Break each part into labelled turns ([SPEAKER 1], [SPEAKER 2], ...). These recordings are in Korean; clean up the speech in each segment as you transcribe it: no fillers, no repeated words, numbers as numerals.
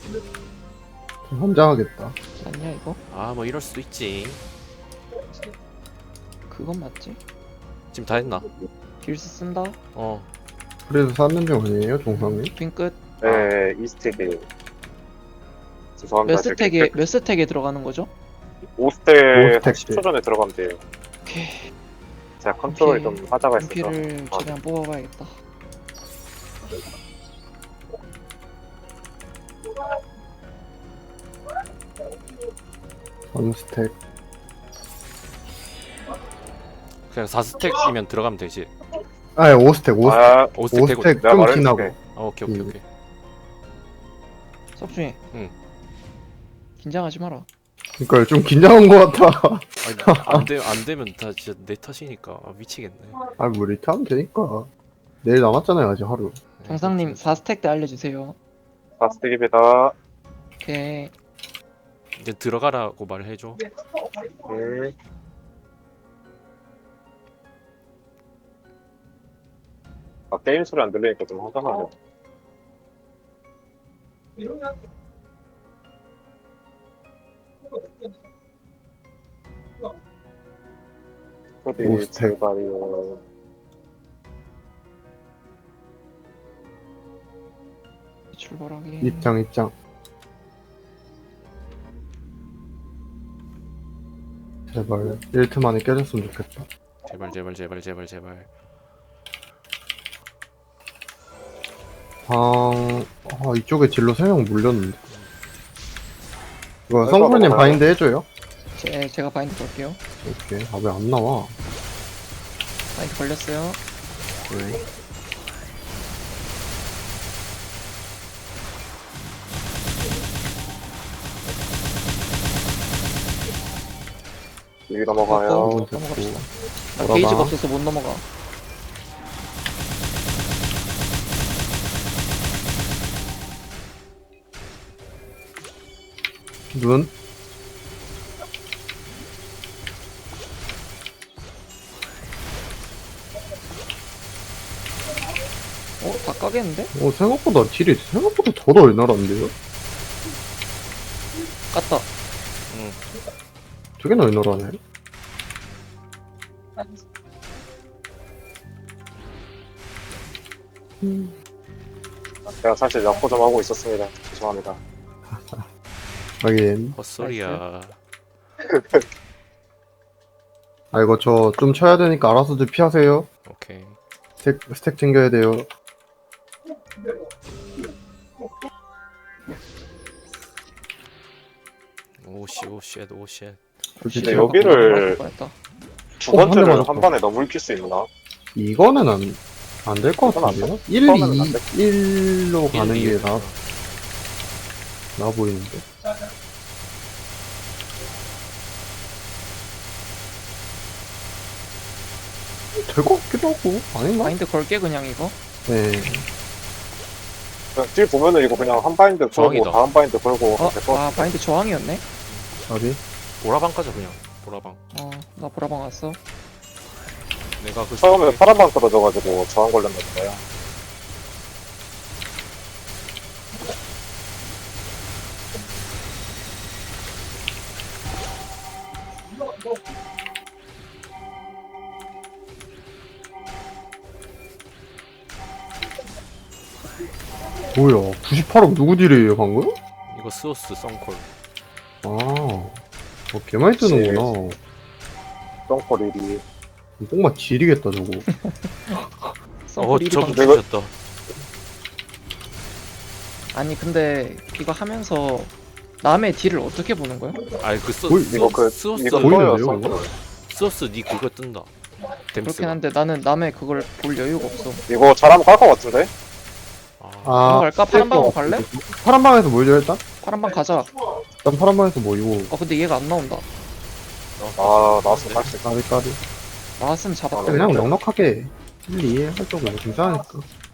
[SPEAKER 1] 좀 환장하겠다.
[SPEAKER 2] 맞냐 이거?
[SPEAKER 3] 아 뭐 이럴 수도 있지.
[SPEAKER 2] 그건 맞지?
[SPEAKER 3] 지금 다 했나?
[SPEAKER 2] 딜스 쓴다?
[SPEAKER 3] 어.
[SPEAKER 1] 그래도 샀는 중 아니에요, 종상님?
[SPEAKER 2] 빈 끝.
[SPEAKER 4] 네, 이스택에. 죄송합니다.
[SPEAKER 2] 몇 스택에 들어가는 거죠?
[SPEAKER 4] 5스택
[SPEAKER 1] 오스택
[SPEAKER 4] 10초 전에 들어가면 돼요.
[SPEAKER 2] 오케이.
[SPEAKER 4] 제가 컨트롤이
[SPEAKER 2] 오케이.
[SPEAKER 4] 좀 하자가 있어서.
[SPEAKER 2] 빈피를 최대한 뽑아봐야겠다.
[SPEAKER 1] 원스택.
[SPEAKER 3] 그냥 4스택이면 들어가면 되지.
[SPEAKER 1] 아, 5스택, 5스택.
[SPEAKER 4] 아,
[SPEAKER 3] 5스택
[SPEAKER 1] 5스택
[SPEAKER 4] 내가
[SPEAKER 1] 좀
[SPEAKER 4] 말해줄게.
[SPEAKER 1] 지나고.
[SPEAKER 3] 오케이 오케이 오케이.
[SPEAKER 2] 석준이.
[SPEAKER 3] 응.
[SPEAKER 2] 긴장하지 마라.
[SPEAKER 1] 그니까 좀 긴장한 것 같아.
[SPEAKER 3] 아니, 안 되면 다 진짜 내 탓이니까 미치겠네.
[SPEAKER 1] 아, 뭐 이렇게 하면 되니까. 내일 남았잖아요, 아직 하루.
[SPEAKER 2] 경상님 4스택 때 알려주세요.
[SPEAKER 4] 4스택입니다.
[SPEAKER 2] 오케이.
[SPEAKER 3] 이제 들어가라고 말해줘.
[SPEAKER 4] 아, 게임 소리 안 들리니까 좀 화가 나네.
[SPEAKER 1] 오스택.
[SPEAKER 4] 제발요.
[SPEAKER 2] 출발하기.
[SPEAKER 1] 입장. 제발 1트 만에 깨졌으면 좋겠다.
[SPEAKER 3] 제발 제발 제발 제발 제발.
[SPEAKER 1] 이쪽에 딜로 3명 물렸는데. 이거
[SPEAKER 4] 할
[SPEAKER 1] 성프님
[SPEAKER 4] 거
[SPEAKER 1] 바인드 해줘요?
[SPEAKER 2] 제가 바인드 걸게요.
[SPEAKER 1] 오케이. 아, 왜 안 나와?
[SPEAKER 2] 바인드 걸렸어요.
[SPEAKER 1] 네.
[SPEAKER 4] 여기 넘어가요.
[SPEAKER 2] 넘어갑시다. 나
[SPEAKER 1] 돌아봐.
[SPEAKER 2] 게이지가 없어서 못 넘어가.
[SPEAKER 1] 눈?
[SPEAKER 2] 다 까겠는데?
[SPEAKER 1] 생각보다 딜이 생각보다 더 널널한데요?
[SPEAKER 2] 깠다.
[SPEAKER 3] 응.
[SPEAKER 1] 되게 널널하네.
[SPEAKER 4] 제가 사실 약호 좀 하고 있었습니다. 죄송합니다.
[SPEAKER 1] 하긴.
[SPEAKER 3] 헛소리야.
[SPEAKER 1] 아, 이거 저 좀 쳐야 되니까 알아서들 피하세요.
[SPEAKER 3] 오케이.
[SPEAKER 1] 스택 챙겨야 돼요.
[SPEAKER 3] 오씨 오쉣 오쉣.
[SPEAKER 4] 근데 여기를
[SPEAKER 2] 뻔했다.
[SPEAKER 4] 두
[SPEAKER 1] 한
[SPEAKER 4] 번째를
[SPEAKER 1] 대만
[SPEAKER 4] 한 번에 넘을 수 있나?
[SPEAKER 1] 이거는 안 될 것 같은데요? 1,
[SPEAKER 4] 처음에는 안
[SPEAKER 1] 2,
[SPEAKER 4] 돼.
[SPEAKER 1] 1로 가는 게
[SPEAKER 3] 1, 2.
[SPEAKER 1] 나아 보이는데. 될 것 같기도 하고, 아닌가?
[SPEAKER 2] 바인드 걸게 그냥 이거.
[SPEAKER 1] 네.
[SPEAKER 4] 그냥 딜 보면은 이거 그냥 한 바인드 걸고
[SPEAKER 3] 저항이다.
[SPEAKER 4] 다음 바인드 걸고 하면 될것 같아.
[SPEAKER 2] 바인드 저항이었네.
[SPEAKER 1] 자리?
[SPEAKER 3] 보라방 가자 그냥. 보라방.
[SPEAKER 2] 나 보라방 왔어.
[SPEAKER 3] 내가 그
[SPEAKER 4] 처음에 파란방 떨어져가지고 저항 걸렸나 보다요.
[SPEAKER 1] 뭐야, 98억 누구 딜이에요, 방금?
[SPEAKER 3] 이거 스오스 썬콜.
[SPEAKER 1] 개 많이 뜨는구나.
[SPEAKER 4] 똥꼬 리리.
[SPEAKER 1] 뽕맛 지리겠다, 저거.
[SPEAKER 2] 썬콜
[SPEAKER 3] 저거
[SPEAKER 2] 1위
[SPEAKER 4] 내가-
[SPEAKER 3] 죽였다.
[SPEAKER 2] 아니 근데 이거 하면서 남의 딜을 어떻게 보는 거야?
[SPEAKER 3] 아이 그
[SPEAKER 4] 이거 그
[SPEAKER 3] 스오스
[SPEAKER 4] 이거
[SPEAKER 1] 보이는데요,
[SPEAKER 4] 떠요.
[SPEAKER 1] 이거?
[SPEAKER 3] 스오스 니 그거 뜬다.
[SPEAKER 2] 그렇긴
[SPEAKER 3] 댐스가.
[SPEAKER 2] 한데 나는 남의 그걸 볼 여유가 없어.
[SPEAKER 4] 이거 잘하면 깔 것 같은데?
[SPEAKER 2] 넘어갈까? 파란 방으로 갈래?
[SPEAKER 1] 파란 방에서 모이죠, 일단?
[SPEAKER 2] 파란 방 가자.
[SPEAKER 1] 일단 파란 방에서 모이고.
[SPEAKER 2] 근데 얘가 안 나온다.
[SPEAKER 4] 아, 나왔으면 할수 있어.
[SPEAKER 1] 까비까비.
[SPEAKER 2] 나왔으면 잡았다.
[SPEAKER 1] 그냥 넉넉하게 1, 2에 할 정도면 괜찮으니까.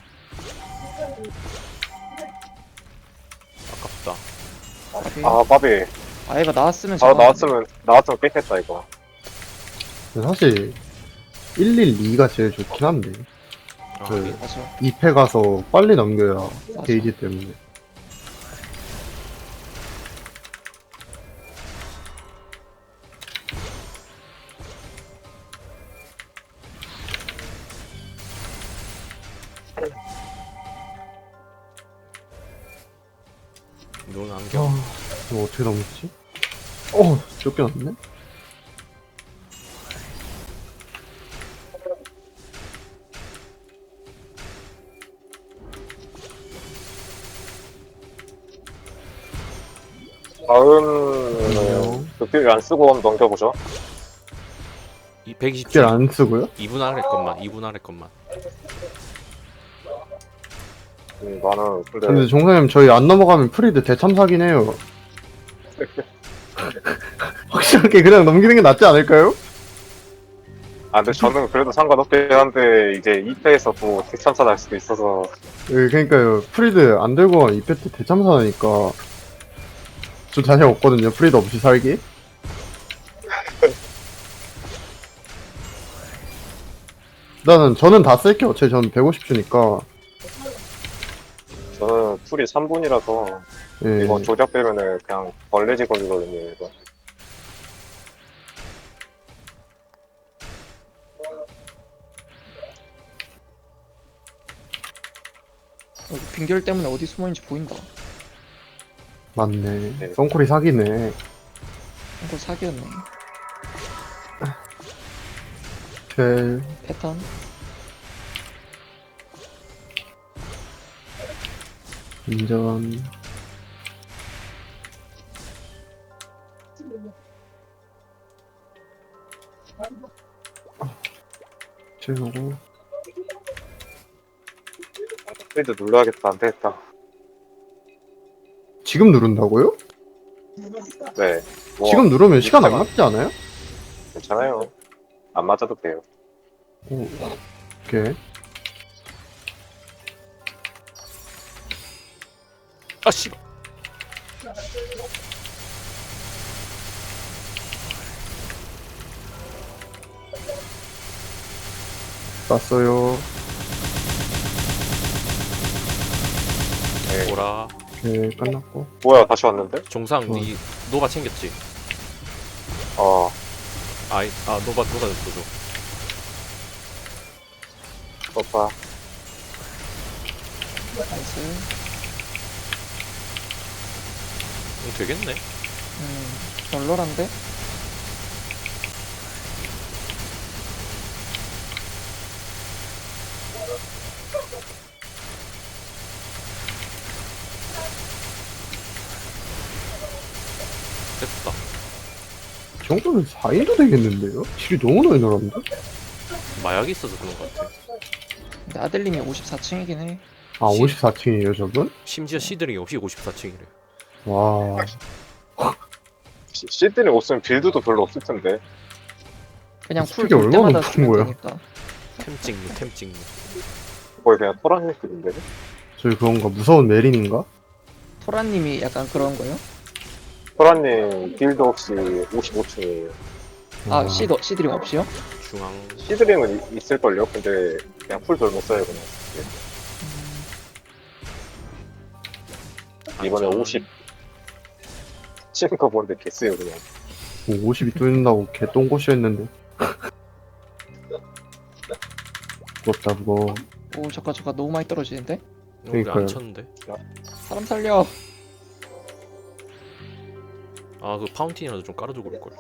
[SPEAKER 3] 아깝다.
[SPEAKER 4] 아, 바비.
[SPEAKER 2] 얘가 나왔으면
[SPEAKER 4] 바로
[SPEAKER 2] 잡았는데.
[SPEAKER 4] 나왔으면 깼겠다, 이거.
[SPEAKER 1] 근데 사실 112가 제일 좋긴 한데 그
[SPEAKER 2] 맞아.
[SPEAKER 1] 2패 가서 빨리 넘겨야
[SPEAKER 2] 맞아.
[SPEAKER 1] 게이지 때문에.
[SPEAKER 3] 눈 안경.
[SPEAKER 1] 이거 어떻게 넘었지? 쫓겨났네?
[SPEAKER 4] 다음은 극딜 안 쓰고 한번 넘겨보죠.
[SPEAKER 3] 이 120줄.
[SPEAKER 1] 딜 안 쓰고요?
[SPEAKER 3] 2분 아래 것만. 2분 아래 것만.
[SPEAKER 4] 나는
[SPEAKER 1] 근데
[SPEAKER 4] 근데
[SPEAKER 1] 종사님 저희 안 넘어가면 프리드 대참사긴 해요. 확실하게 그냥 넘기는 게 낫지 않을까요?
[SPEAKER 4] 근데 저는 그래도 상관없긴 한데 이제 2패에서 또 대참사 날 수도 있어서
[SPEAKER 1] 예, 그러니까요. 프리드 안 들고 가면 이펙트 대참사니까 저 자신 없거든요. 프리드 없이 살기. 저는 다 쓸게요. 어차피 저는 150주니까.
[SPEAKER 4] 저는 풀이 3분이라서
[SPEAKER 1] 예.
[SPEAKER 4] 이거 조작 빼면은 그냥 벌레 직업이거든요. 이거.
[SPEAKER 2] 여기 빙결 때문에 어디 숨어있는지 보인다.
[SPEAKER 1] 맞네.
[SPEAKER 4] 네.
[SPEAKER 1] 썬콜이 사기네.
[SPEAKER 2] 이거 사기였네.
[SPEAKER 1] 쉘.
[SPEAKER 2] 패턴.
[SPEAKER 1] 인전. 채우고.
[SPEAKER 4] 프리드 눌러야겠다. 안 되겠다.
[SPEAKER 1] 지금 누른다고요?
[SPEAKER 4] 네. 뭐,
[SPEAKER 1] 지금 누르면 시간 안 맞지 않아요?
[SPEAKER 4] 괜찮아요. 안 맞아도 돼요.
[SPEAKER 1] 오케이.
[SPEAKER 3] 아 씨.
[SPEAKER 1] 땄어요.
[SPEAKER 4] 네.
[SPEAKER 3] 보라.
[SPEAKER 1] 오케이, 끝났고.
[SPEAKER 4] 뭐야, 다시 왔는데?
[SPEAKER 3] 종상
[SPEAKER 1] 어.
[SPEAKER 3] 니 노바 챙겼지?
[SPEAKER 4] 어,
[SPEAKER 3] 노바 줬어.
[SPEAKER 4] 오빠.
[SPEAKER 2] 나이스.
[SPEAKER 3] 되겠네.
[SPEAKER 2] 널널한데?
[SPEAKER 3] 됐다.
[SPEAKER 1] 이 정도면 4인도 되겠는데요? 딜이 너무 많이 늘었는데?
[SPEAKER 3] 마약이 있어서 그런 것 같아.
[SPEAKER 2] 근데 아델님이 54층이긴 해.
[SPEAKER 1] 아, 54층이에요, 저분?
[SPEAKER 3] 심지어 시드링이 없이 54층이래.
[SPEAKER 1] 와.
[SPEAKER 4] 시드니 없으면 빌드도 별로 없을 텐데.
[SPEAKER 2] 그냥 풀
[SPEAKER 1] 스펙이
[SPEAKER 2] 돌
[SPEAKER 1] 얼마나
[SPEAKER 2] 때마다
[SPEAKER 1] 높은
[SPEAKER 2] 쓰면
[SPEAKER 1] 거야?
[SPEAKER 2] 되니까.
[SPEAKER 3] 템 찍는.
[SPEAKER 4] 거의 그냥 토란 느낌인데.
[SPEAKER 1] 저희 그건가? 무서운 메린인가?
[SPEAKER 2] 토라님이 약간 그런 거요?
[SPEAKER 4] 토란님 빌드 없이 55층이에요.
[SPEAKER 2] 아, 시드링 없이요?
[SPEAKER 3] 중앙.
[SPEAKER 4] 시드링은 있을걸요? 근데 그냥 풀 돌 못 써요, 그냥. 이번에
[SPEAKER 3] 안전.
[SPEAKER 4] 50 치는 거 보는데 개쓰요, 그냥.
[SPEAKER 1] 뭐 50이 뚫린다고 개 똥꼬시 했는데. 부럽다, 그거.
[SPEAKER 2] 오, 잠깐 너무 많이 떨어지는데?
[SPEAKER 3] 우리
[SPEAKER 1] 그러니까요.
[SPEAKER 3] 안 쳤는데.
[SPEAKER 2] 사람 살려.
[SPEAKER 3] 아 그 파운틴이라도 좀 깔아주고 올걸.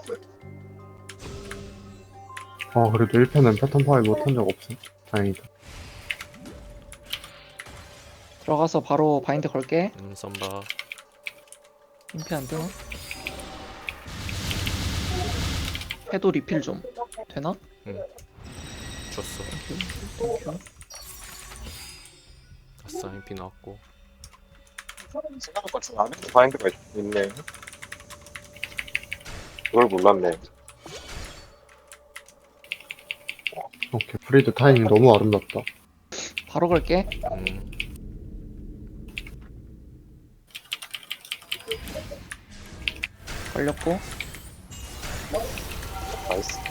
[SPEAKER 1] 아, 그래도 1패는 패턴 파괴 못한 적 없어. 다행이다.
[SPEAKER 2] 들어가서 바로 바인드 걸게.
[SPEAKER 3] 썸바.
[SPEAKER 2] 임피 안 되나? 해도 리필 좀 되나?
[SPEAKER 3] 줬어.
[SPEAKER 2] 땡큐.
[SPEAKER 3] 아싸 MP 나왔고.
[SPEAKER 4] 생각보다 좀 안에 바인드가 있네. 그걸 몰랐네.
[SPEAKER 1] 오케이, 프리드 타이밍 너무 아름답다.
[SPEAKER 2] 바로 걸게. 걸렸고.
[SPEAKER 4] 나이스.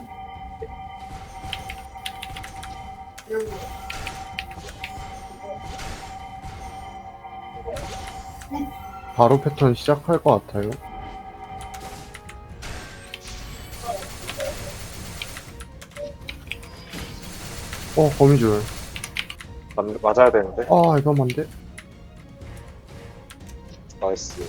[SPEAKER 1] 바로 패턴 시작할 것 같아요. 거미줄.
[SPEAKER 4] 맞아야 되는데.
[SPEAKER 1] 아, 이거 안 돼.
[SPEAKER 4] 나이스.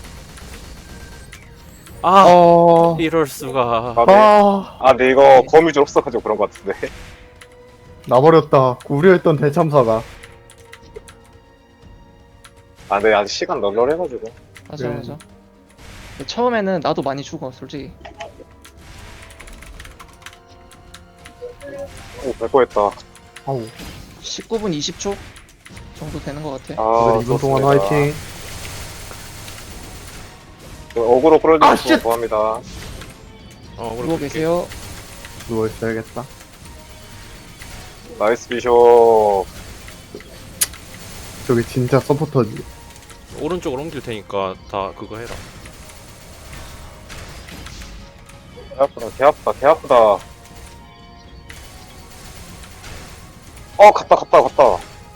[SPEAKER 3] 아
[SPEAKER 1] 어...
[SPEAKER 3] 이럴 수가.
[SPEAKER 4] 아, 네.
[SPEAKER 1] 아...
[SPEAKER 4] 아, 근데 이거 거미줄 없어가지고 그런 것 같은데.
[SPEAKER 1] 나버렸다. 우려했던 대참사가.
[SPEAKER 4] 아, 네, 아직 시간 널널해가지고.
[SPEAKER 2] 맞아
[SPEAKER 1] 네.
[SPEAKER 2] 맞아. 처음에는 나도 많이 죽어 솔직히.
[SPEAKER 4] 오, 뺄거했다.
[SPEAKER 1] 아우.
[SPEAKER 2] 19분 20초 정도 되는 것 같아.
[SPEAKER 4] 아,
[SPEAKER 1] 이번 동안
[SPEAKER 4] 좋습니다.
[SPEAKER 1] 화이팅.
[SPEAKER 4] 어그로
[SPEAKER 1] 아,
[SPEAKER 4] 끌어주셔서
[SPEAKER 1] 쉣!
[SPEAKER 4] 고맙니다.
[SPEAKER 2] 누워 계세요.
[SPEAKER 1] 누워있어야겠다.
[SPEAKER 4] 나이스 비숍.
[SPEAKER 1] 저기 진짜 서포터지.
[SPEAKER 3] 오른쪽으로 옮길 테니까 다 그거 해라.
[SPEAKER 4] 개 아프다, 개 아프다, 개 아프다. 갔다.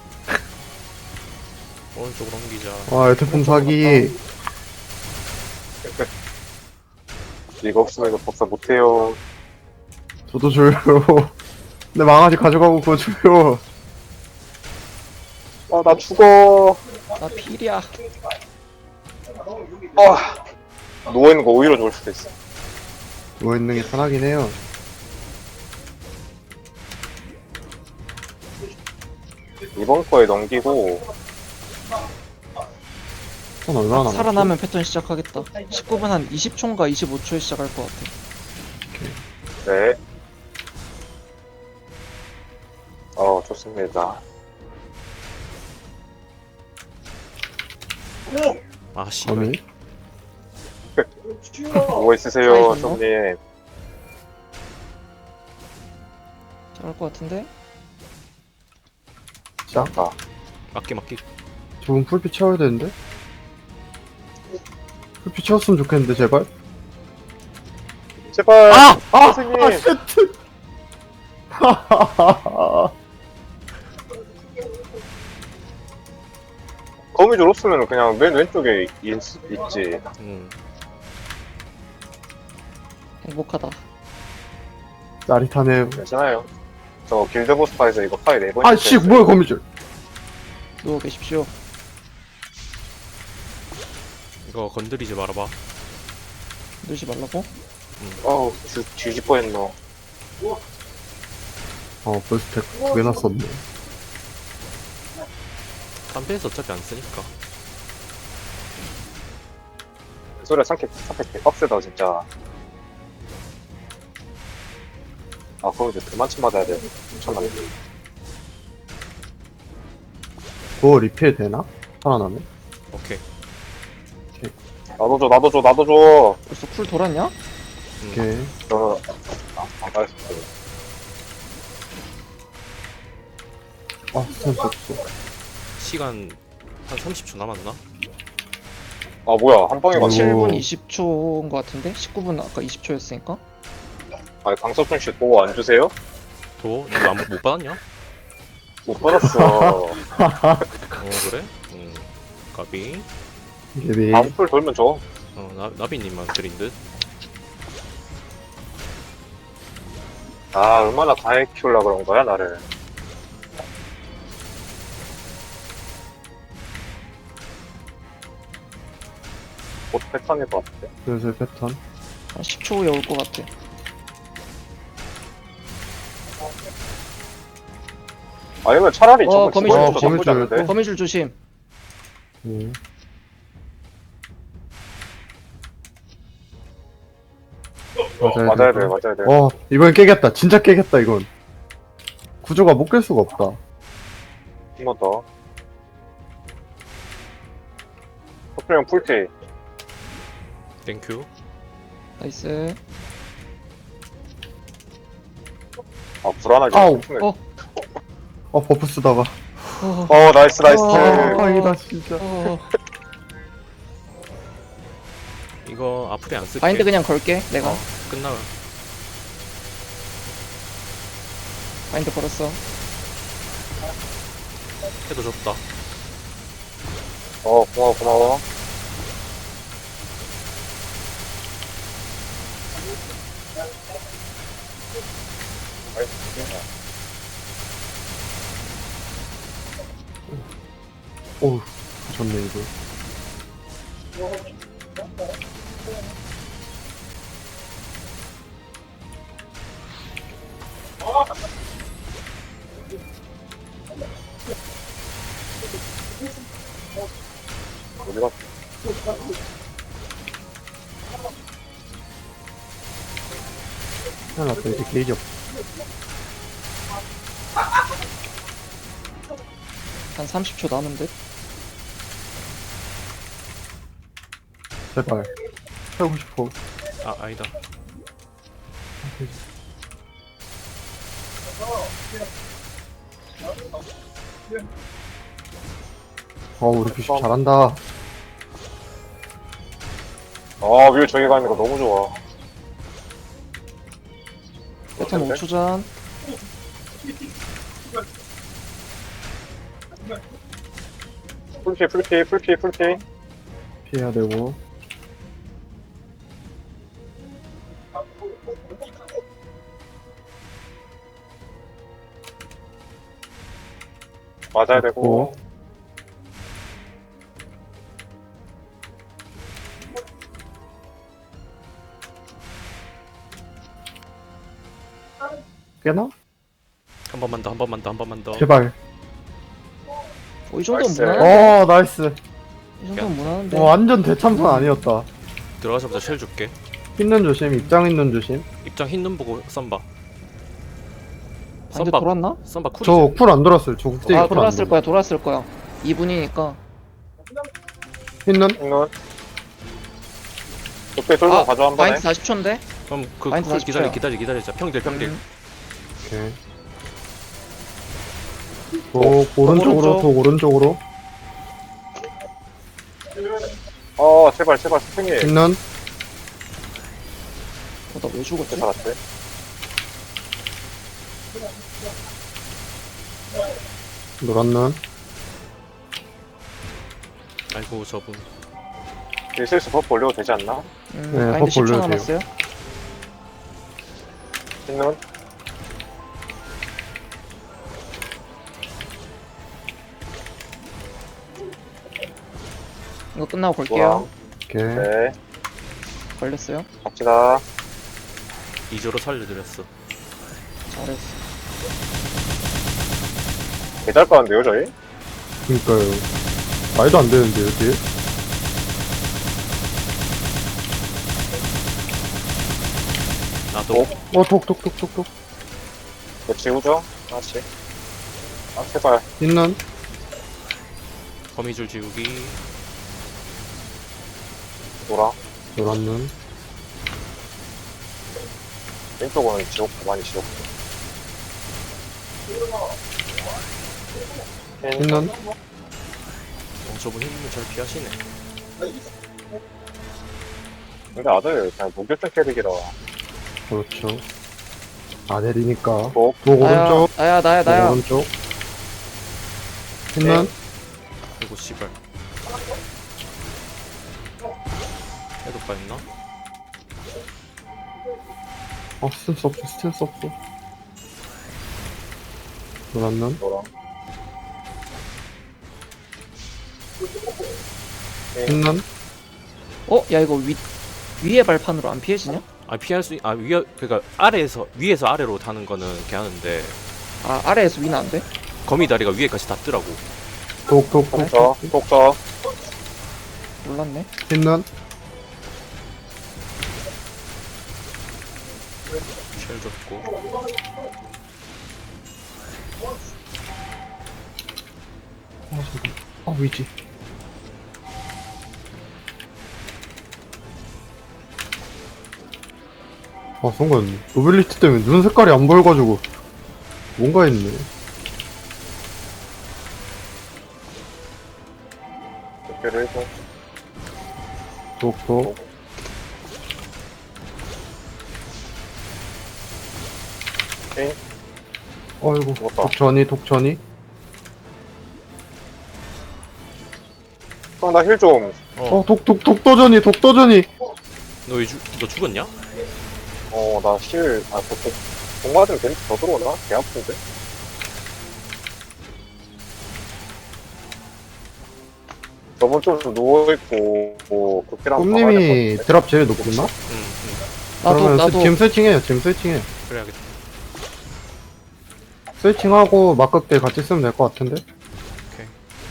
[SPEAKER 3] 오른쪽으로 옮기자.
[SPEAKER 1] 와, 에테폼 사기.
[SPEAKER 4] 이거 없으면 이거 법사 못해요.
[SPEAKER 1] 저도 줘요. 내 망아지 가져가고 그거 줘요.
[SPEAKER 4] 아, 나 죽어.
[SPEAKER 2] 나 필이야.
[SPEAKER 4] 누워있는 거 오히려 좋을 수도 있어.
[SPEAKER 1] 누워있는 게 편하긴 해요.
[SPEAKER 4] 이번 거에 넘기고,
[SPEAKER 1] 선 얼마나 남았지?
[SPEAKER 2] 살아나면 패턴 시작하겠다. 19분 한 20초인가 25초에 시작할 것 같아.
[SPEAKER 4] 네. 좋습니다.
[SPEAKER 3] 아 씨발.
[SPEAKER 1] 어미?
[SPEAKER 4] 뭐 있으세요,
[SPEAKER 2] 사이즈는
[SPEAKER 4] 손님?
[SPEAKER 2] 잘할 것 같은데?
[SPEAKER 4] 시작다.
[SPEAKER 3] 맞기.
[SPEAKER 1] 저분 풀피 채워야 되는데? 풀피 채웠으면 좋겠는데, 제발?
[SPEAKER 4] 제발!
[SPEAKER 1] 아!
[SPEAKER 4] 선생님!
[SPEAKER 1] 아, 쉣!
[SPEAKER 4] 거미줄 없으면 그냥 맨 왼쪽에 있지.
[SPEAKER 2] 행복하다.
[SPEAKER 1] 짜릿하네요.
[SPEAKER 4] 괜찮아요. 저 길드보스파에서 이거 파이 4번.
[SPEAKER 1] 아, 씨, 뭐야, 거미줄.
[SPEAKER 2] 누워 계십시오.
[SPEAKER 3] 이거 건드리지 말아봐.
[SPEAKER 2] 누지 말라고?
[SPEAKER 4] 뒤집어 했노.
[SPEAKER 1] 벌써 2개나 썼네.
[SPEAKER 3] 딴배에서 어차피 안 쓰니까.
[SPEAKER 4] 소리가 참게 빡세다, 진짜. 그럼 이제 그만침 받아야 돼. 엄청나네.
[SPEAKER 1] 그거 리필 되나? 살아나네?
[SPEAKER 3] 오케이.
[SPEAKER 4] 나도 줘.
[SPEAKER 2] 벌써 쿨 돌았냐?
[SPEAKER 1] 오케이.
[SPEAKER 4] 안 가겠어.
[SPEAKER 1] 스탠스 없어.
[SPEAKER 3] 시간 한 30초 남았나?
[SPEAKER 4] 뭐야, 한 방에
[SPEAKER 1] 오.
[SPEAKER 4] 맞네.
[SPEAKER 2] 7분 20초인 것 같은데? 19분 아까 20초였으니까?
[SPEAKER 4] 강석준 씨 보고 안 주세요?
[SPEAKER 3] 도? 이거 못 받았냐?
[SPEAKER 4] 못 받았어.
[SPEAKER 3] 그래? 까비.
[SPEAKER 1] 예비.
[SPEAKER 4] 다음 풀 돌면 줘.
[SPEAKER 3] 나비님만 드린 듯.
[SPEAKER 4] 얼마나 강하게 키우려고 그런 거야, 나를. 곧 패턴일 것 같아.
[SPEAKER 1] 슬슬 패턴.
[SPEAKER 2] 한 10초 후에 올 것 같아.
[SPEAKER 4] 아니면 차라리 저거
[SPEAKER 2] 거미줄.
[SPEAKER 4] 집어넣어도
[SPEAKER 1] 거미줄.
[SPEAKER 4] 나쁘지 않은데?
[SPEAKER 2] 거미줄 조심.
[SPEAKER 1] 네.
[SPEAKER 4] 맞아야 돼.
[SPEAKER 1] 이번엔 깨겠다. 진짜 깨겠다, 이건. 구조가 못 깰 수가 없다.
[SPEAKER 4] 한 번 더. 석준형 풀티.
[SPEAKER 3] 땡큐.
[SPEAKER 2] 나이스.
[SPEAKER 4] 불안하게.
[SPEAKER 1] 아우.
[SPEAKER 2] 어.
[SPEAKER 1] 버프 쓰다가.
[SPEAKER 4] 나이스.
[SPEAKER 1] 다행이다, 진짜.
[SPEAKER 3] 이거 앞으로 안 쓸게.
[SPEAKER 2] 바인드 그냥 걸게 내가.
[SPEAKER 3] 끝나면.
[SPEAKER 2] 바인드 걸었어.
[SPEAKER 3] 해도 줬다.
[SPEAKER 4] 고마워.
[SPEAKER 1] 어우, 좋네, 이거.
[SPEAKER 4] 어디가?
[SPEAKER 1] 큰일 났다. 이제 게이지 없어.
[SPEAKER 2] 한 30초 남은 듯.
[SPEAKER 1] 제발. 하고 싶어.
[SPEAKER 3] 아 아니다.
[SPEAKER 1] 우리 비숍 잘한다.
[SPEAKER 4] 아, 위에 저기 가는 거 너무 좋아.
[SPEAKER 2] 패턴 5초 전.
[SPEAKER 4] 풀피.
[SPEAKER 1] 피해야 되고.
[SPEAKER 4] 맞아야 되고.
[SPEAKER 1] 깨나?
[SPEAKER 3] 한 번만 더, 한 번만 더, 한 번만 더.
[SPEAKER 1] 제발.
[SPEAKER 2] 이 정도면
[SPEAKER 4] 나이스.
[SPEAKER 2] 무난한데?
[SPEAKER 1] 나이스.
[SPEAKER 2] 이 정도면 무난한데?
[SPEAKER 1] 완전 대참선 아니었다.
[SPEAKER 3] 들어가자마자 쉘 줄게.
[SPEAKER 1] 흰눈 조심, 입장 있는 조심.
[SPEAKER 3] 입장 흰 눈 보고 썬바.
[SPEAKER 2] 반대 돌았나?
[SPEAKER 3] 썬바 쿨이지.
[SPEAKER 1] 저 쿨 안 돌았어요. 저 국제기 쿨안
[SPEAKER 2] 돌았을 거야, 돌았을 거야. 2분이니까.
[SPEAKER 1] 흰눈?
[SPEAKER 4] 흰눈. 옆에 돌고 가져 한 번에.
[SPEAKER 2] 마인드 40초인데?
[SPEAKER 3] 그럼 그
[SPEAKER 2] 마인드
[SPEAKER 3] 쿨
[SPEAKER 2] 40초야.
[SPEAKER 3] 기다리자. 평딜.
[SPEAKER 1] 오케이. 오른쪽으로, 오른쪽으로.
[SPEAKER 4] 제발 스팽이.
[SPEAKER 1] 흰눈?
[SPEAKER 2] 나 왜 죽었지?
[SPEAKER 4] 살았대.
[SPEAKER 1] 노란눈?
[SPEAKER 3] 아이고 저분.
[SPEAKER 4] 슬슬 버프 올려도 되지 않나?
[SPEAKER 1] 네,
[SPEAKER 2] 마인드
[SPEAKER 1] 버프
[SPEAKER 2] 10초
[SPEAKER 1] 올려도
[SPEAKER 2] 남았어요.
[SPEAKER 4] 흰눈.
[SPEAKER 2] 이거 끝나고 걸게요.
[SPEAKER 1] 오케이.
[SPEAKER 4] 네.
[SPEAKER 2] 걸렸어요.
[SPEAKER 4] 갑시다.
[SPEAKER 3] 2조로 살려드렸어.
[SPEAKER 2] 잘했어.
[SPEAKER 4] 개잘 까는데요, 저희?
[SPEAKER 1] 그니까요. 말도 안 되는데요, 뒤에?
[SPEAKER 3] 나도.
[SPEAKER 1] 톡.
[SPEAKER 4] 뭐 지우죠? 하나씩. 제발.
[SPEAKER 1] 흰눈?
[SPEAKER 3] 거미줄 지우기.
[SPEAKER 4] 노랑.
[SPEAKER 1] 노란눈?
[SPEAKER 4] 왼쪽은 지웠고, 많이 지웠고.
[SPEAKER 1] 흰눈?
[SPEAKER 3] 저분 흰 눈 잘 피하시네.
[SPEAKER 4] 근데 아들 그냥 무결점 캐릭이라.
[SPEAKER 1] 그렇죠. 아델이니까.
[SPEAKER 4] 뭐?
[SPEAKER 1] 독 오른쪽.
[SPEAKER 2] 나야.
[SPEAKER 1] 오른쪽. 흰눈?
[SPEAKER 3] 아이고 씨발. 해도 빠였나?
[SPEAKER 1] 스탠스 없어. 노란눈?
[SPEAKER 4] 노랑.
[SPEAKER 1] 흰눈?
[SPEAKER 2] 야 이거 위에 발판으로 안 피해지냐?
[SPEAKER 3] 아 피할 수 위에 그러니까 위에서 아래로 타는 거는 괜찮은데
[SPEAKER 2] 아래에서 위는 안 돼?
[SPEAKER 3] 거미 다리가 위에까지 닿더라고.
[SPEAKER 1] 독.
[SPEAKER 4] 독저.
[SPEAKER 2] 몰랐네.
[SPEAKER 1] 흰눈?
[SPEAKER 3] 쉘 줬고.
[SPEAKER 1] 위지. 순간 노빌리티 때문에 눈 색깔이 안 보여가지고 뭔가 했네.
[SPEAKER 4] 이렇게를 해서.
[SPEAKER 1] 독.
[SPEAKER 4] 오케이.
[SPEAKER 1] 아이고,
[SPEAKER 4] 죽었다.
[SPEAKER 1] 독전이.
[SPEAKER 4] 형, 나 힐 좀.
[SPEAKER 1] 독도전이.
[SPEAKER 3] 너 죽었냐?
[SPEAKER 4] 나 힐, 공 맞으면 괜히 더 들어오나? 개 아픈데? 저번 좀 누워있고, 뭐, 그렇게랑
[SPEAKER 1] 꿈님이 드랍 제일 높구나? 그러면
[SPEAKER 2] 나도
[SPEAKER 1] 지금 스위칭해요. 지금 스위칭해.
[SPEAKER 3] 그래야겠다.
[SPEAKER 1] 스위칭하고 막극대 같이 쓰면 될 것 같은데?
[SPEAKER 3] 오케이.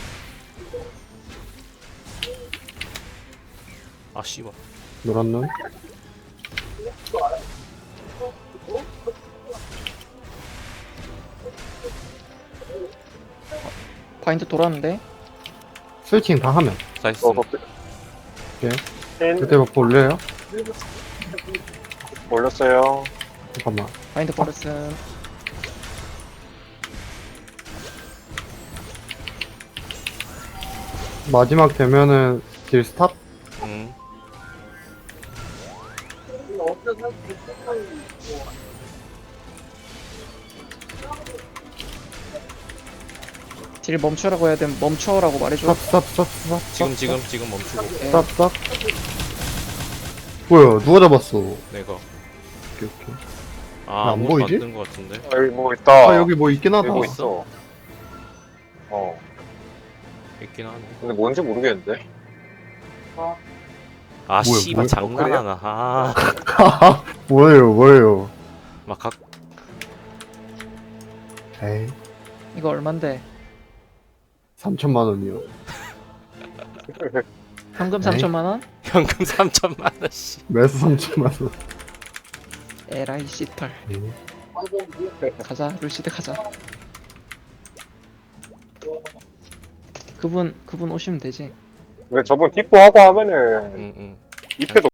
[SPEAKER 3] 아 씨발.
[SPEAKER 1] 노란 눈.
[SPEAKER 2] 바인드 돌았는데
[SPEAKER 1] 스위칭 다 하면.
[SPEAKER 3] 나이스.
[SPEAKER 1] 그때 버프 올려요?
[SPEAKER 4] 올렸어요.
[SPEAKER 1] 잠깐만.
[SPEAKER 2] 바인드 걸었음.
[SPEAKER 1] 마지막 되면은 딜 스탑?
[SPEAKER 2] 딜 멈추라고 해야 되면 멈춰라고 말해줘.
[SPEAKER 1] 스탑, 스탑, 스탑, 스탑.
[SPEAKER 3] 지금 멈추고
[SPEAKER 2] 오케이.
[SPEAKER 1] 스탑, 스탑. 뭐야, 누가 잡았어?
[SPEAKER 3] 내가.
[SPEAKER 1] 오케이, 오케이.
[SPEAKER 3] 아
[SPEAKER 1] 안
[SPEAKER 3] 아무것도
[SPEAKER 1] 보이지?
[SPEAKER 3] 안 뜬 것 같은데.
[SPEAKER 4] 여기 뭐 있다.
[SPEAKER 1] 아, 여기 뭐 있긴 하다.
[SPEAKER 4] 여기 뭐 있어.
[SPEAKER 3] 있긴 하네.
[SPEAKER 4] 근데 뭔지 모르겠는데.
[SPEAKER 3] 아
[SPEAKER 1] 뭐야,
[SPEAKER 3] 씨발
[SPEAKER 1] 뭐야?
[SPEAKER 3] 장난하나. 아.
[SPEAKER 1] 뭐예요, 뭐예요.
[SPEAKER 3] 막 각.
[SPEAKER 1] 에이,
[SPEAKER 2] 이거 얼만데?
[SPEAKER 1] 3천만 원이요.
[SPEAKER 2] 현금
[SPEAKER 1] 에이.
[SPEAKER 2] 3천만 원?
[SPEAKER 3] 현금 3천만 원씩.
[SPEAKER 1] 매수 3천만 원.
[SPEAKER 2] 에라이 씨털. 가자 루시드 가자. 그분 오시면 되지.
[SPEAKER 4] 근데 저분 뒷부 하고 하면은,
[SPEAKER 3] 응응.
[SPEAKER 4] 입회도